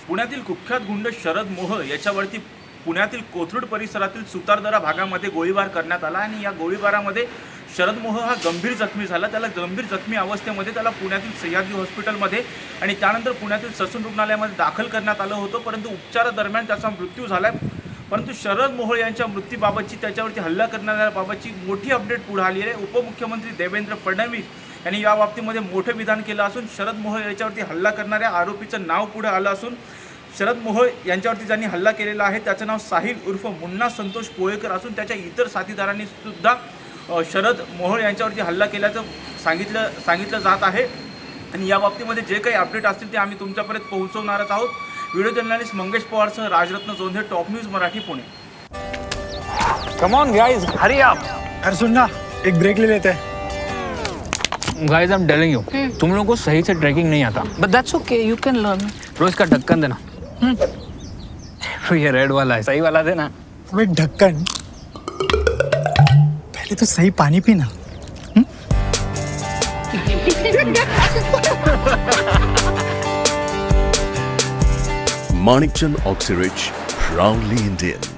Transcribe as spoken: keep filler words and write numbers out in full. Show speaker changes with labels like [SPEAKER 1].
[SPEAKER 1] पुण्यातील कुख्यात गुंड शरद मोह याच्यावरती पुण्यातील कोथरूड परिसरातील सुतारदरा भागामध्ये गोळीबार करण्यात आला आणि या गोळीबारामध्ये शरद मोह हा गंभीर जखमी झाला. त्याला गंभीर जखमी अवस्थेमध्ये त्याला पुण्यातील सह्याद्री हॉस्पिटलमध्ये आणि त्यानंतर पुण्यातील ससून रुग्णालयामध्ये दाखल करण्यात आलं होतं, परंतु उपचारादरम्यान त्याचा मृत्यू झाला. परंतु शरद मोह यांच्या मृत्यूबाबतची त्याच्यावरती हल्ला करणाऱ्याबाबतची मोठी अपडेट पुढे आली आहे. उपमुख्यमंत्री देवेंद्र फडणवीस यांनी या बाबतीमध्ये मोठं विधान केलं असून शरद मोह याच्यावरती हल्ला करणाऱ्या आरोपीचं नाव पुढे आलं असून शरद मोह यांच्यावरती ज्यांनी हल्ला केलेला आहे त्याचं नाव साहिल उर्फ मुन्ना संतोष पोळेकर असून त्याच्या इतर साथीदारांनी सुद्धा शरद मोह यांच्यावरती हल्ला केल्याचं सांगितलं सांगितलं जात आहे. आणि या बाबतीमध्ये जे काही अपडेट असतील ते आम्ही तुमच्यापर्यंत पोहोचवणारच आहोत. व्हिडिओ जर्नलिस्ट मंगेश पवारसह Rajratna Jondhe, top news Marathi, Pune.
[SPEAKER 2] Come on guys, hurry up.
[SPEAKER 3] अरे सुन ना, एक ब्रेक ले लेते हैं.
[SPEAKER 2] Guys, I am telling you, तुम लोगों को सही से ट्रैकिंग नहीं आता.
[SPEAKER 4] But that's okay, you can learn.
[SPEAKER 2] रोज का ढक्कन देना. ये रेड वाला है, सही वाला देना.
[SPEAKER 3] अबे ढक्कन, पहले तो सही पानी पीना.
[SPEAKER 5] Manikchand Oxyrich, proudly Indian.